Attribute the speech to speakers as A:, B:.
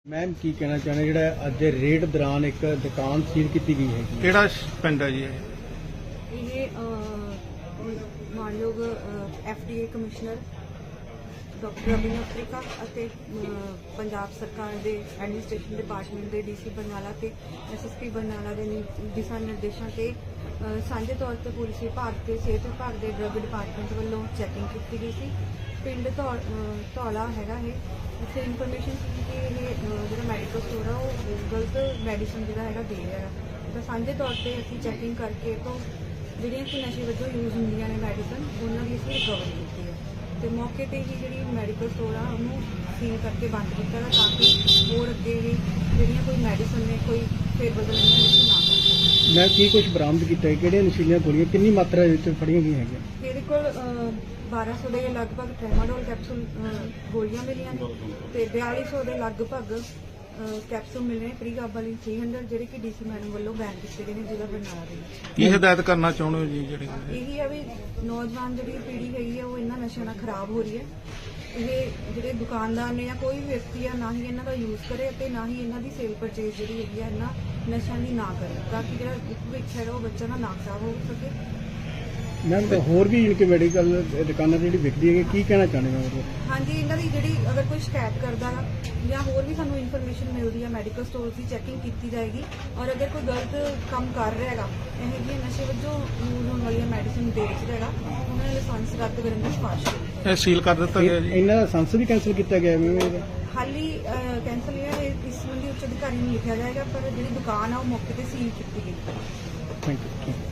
A: Ma'am की कहना चाहना जो अज रेड दौरान एक दुकान सील की गई है
B: ਕਿਹੜਾ ਪਿੰਡ ਹੈ ਜੀ
C: ਇਹ ਮਾਨਯੋਗ FDA commissioner doctor Abhinav Trika ਅਤੇ ਪੰਜਾਬ ਸਰਕਾਰ ਦੇ ਐਡਮਿਨਿਸਟ੍ਰੇਸ਼ਨ ਡਿਪਾਰਟਮੈਂਟ ਦੇ DC ਬਰਨਾਲਾ ਤੇ SSP ਬਰਨਾਲਾ ਦੇ ਦਿਸ਼ਾ ਨਿਰਦੇਸ਼ਾਂ ਤੇ ਸਾਂਝੇ ਤੌਰ ਤੇ ਪੁਲਿਸ ਵਿਭਾਗ ਤੇ ਸਿਹਤ ਵਿਭਾਗ ਦੇ ਡਰੱਗ ਡਿਪਾਰਟਮੈਂਟ ਵੱਲੋਂ ਚੈਕਿੰਗ ਕੀਤੀ ਗਈ ਸੀ। ਪਿੰਡ ਧੌਲਾ ਹੈਗਾ ਇਹ ਇੱਥੇ ਇਨਫੋਰਮੇਸ਼ਨ ਸੀ ਕਿ ਇਹ ਜਿਹੜਾ ਮੈਡੀਕਲ ਸਟੋਰ ਆ ਉਹ ਗਲਤ ਮੈਡੀਸਨ ਜਿਹੜਾ ਹੈਗਾ ਦੇ ਰਿਹਾ ਹੈ ਤਾਂ ਸਾਂਝੇ ਤੌਰ ਤੇ ਅਸੀਂ ਚੈਕਿੰਗ ਕਰਕੇ ਤੋਂ ਜਿਹੜੀਆਂ ਕਿ ਨਸ਼ੇ ਵਜੋਂ ਯੂਜ਼ ਹੁੰਦੀਆਂ ਨੇ ਮੈਡੀਸਨ ਉਹਨਾਂ ਦੀ ਅਸੀਂ ਰਿਕਵਰੀ ਕੀਤੀ ਹੈ ਤੇ ਮੌਕੇ ਤੇ ਹੀ ਜਿਹੜੀ ਮੈਡੀਕਲ ਸਟੋਰ ਆ ਉਹਨੂੰ ਸੀਲ ਕਰਕੇ ਬੰਦ ਕੀਤਾ ਹੈ ਤਾਂ ਕਿ ਹੋਰ ਅੱਗੇ ਵੀ ਜਿਹੜੀਆਂ ਕੋਈ ਮੈਡੀਸਨ ਨੇ ਕੋਈ ਫੇਰ ਬਦਲ ਇਹਨਾਂ ਵਿੱਚ ਨਾ ਕਰ
A: मैं की कुछ बरामद किया कि नशीलियां गोलियां कितनी मात्रा फड़िया गई है
C: ਇਹਦੇ ਕੋਲ 1200 ਦੇ ਲਗਭਗ ਟ੍ਰੈਮਾਡੋਲ ਕੈਪਸੂਲ ਗੋਲੀਆਂ ਮਿਲੀਆਂ ਨੇ ਤੇ 4200 ਦੇ ਲਗਭਗ ਕੈਪਸੂਲ ਮਿਲੇ ਪ੍ਰੀ ਗਾਬਾਲਿਨ 300 ਜਿਹੜੇ ਕਿ DC ਮੈਡਮ ਵੱਲੋਂ ਬੈਨ ਕੀਤੇ ਗਏ ਨੇ ਜ਼ਿਲ੍ਹਾ ਬਰਨਾਲਾ ਦੇ ਵਿੱਚ।
B: ਕੀ ਹਦਾਇਤ ਕਰਨਾ ਚਾਹੁੰਦੇ ਹੋ ਜੀ ਜਿਹੜੀ
C: ਇਹੀ ਹੈ ਵੀ ਨੌਜਵਾਨ ਜਿਹੜੀ ਪੀੜ੍ਹੀ ਹੈਗੀ ਆ ਉਹ ਇਹਨਾਂ ਨਸ਼ਿਆਂ ਨਾਲ ਖਰਾਬ ਹੋ ਰਹੀ ਹੈ। ਇਹ ਜਿਹੜੇ ਦੁਕਾਨਦਾਰ ਨੇ ਜਾਂ ਕੋਈ ਵੀ ਵਿਅਕਤੀ ਆ ਨਾ ਹੀ ਇਹਨਾਂ ਦਾ ਯੂਜ਼ ਕਰੇ ਅਤੇ ਨਾ ਹੀ ਇਹਨਾਂ ਦੀ ਸੇਲ ਪਰਚੇਜ਼ ਜਿਹੜੀ ਹੈਗੀ ਆ ਇਹਨਾਂ ਨਸ਼ਿਆਂ ਦੀ ਨਾ ਕਰੇ ਤਾਂ ਕਿ ਜਿਹੜਾ ਭਵਿੱਖ ਹੈਗਾ ਉਹ ਬੱਚਾ ਨਾ ਖਰਾਬ ਹੋ ਸਕੇ।
A: मैम होर भी इनके मेडिकल दुकाना जी विकती है की कहना चाहते हो?
C: ਹਾਂਜੀ ਇਹਨਾਂ ਦੀ ਜਿਹੜੀ ਅਗਰ ਕੋਈ ਸ਼ਿਕਾਇਤ ਕਰਦਾ ਹੈ ਜਾਂ ਹੋਰ ਵੀ ਸਾਨੂੰ ਇਨਫੋਰਮੇਸ਼ਨ ਮਿਲਦੀ ਹੈ ਮੈਡੀਕਲ ਸਟੋਰ ਦੀ ਚੈਕਿੰਗ ਕੀਤੀ ਜਾਏਗੀ ਔਰ ਅਗਰ ਕੋਈ ਗਲਤ ਕੰਮ ਕਰ ਰਿਹਾ ਹੈਗਾ ਇਹ ਜਿਹੇ ਨਸ਼ੇ ਵਜੋਂ ਯੂਜ਼ ਹੋਣ ਵਾਲੀਆਂ ਮੈਡੀਸਿਨ ਵੇਚ ਰਿਹਾ ਹੈਗਾ ਉਹਨਾਂ ਦਾ ਲਾਇਸੈਂਸ ਰੱਦ ਕਰਨ ਦੀ ਸਿਫਾਰਿਸ਼ ਹੈ।
B: ਇਹ ਸੀਲ ਕਰ ਦਿੱਤਾ ਗਿਆ ਜੀ
A: ਇਹਨਾਂ ਦਾ ਲਾਇਸੈਂਸ ਵੀ ਕੈਂਸਲ ਕੀਤਾ ਗਿਆ ਮੈਮ
C: ਹਾਲੀ ਕੈਂਸਲ ਹੈ ਇਸ ਸੰਬੰਧੀ ਉੱਚ ਅਧਿਕਾਰੀ ਨੂੰ ਲਿਖਿਆ ਜਾਏਗਾ ਪਰ ਜਿਹੜੀ ਦੁਕਾਨ ਆ ਉਹ ਮੌਕੇ ਤੇ ਸੀਲ ਕੀਤੀ ਗਈ ਹੈ।
A: Thank you.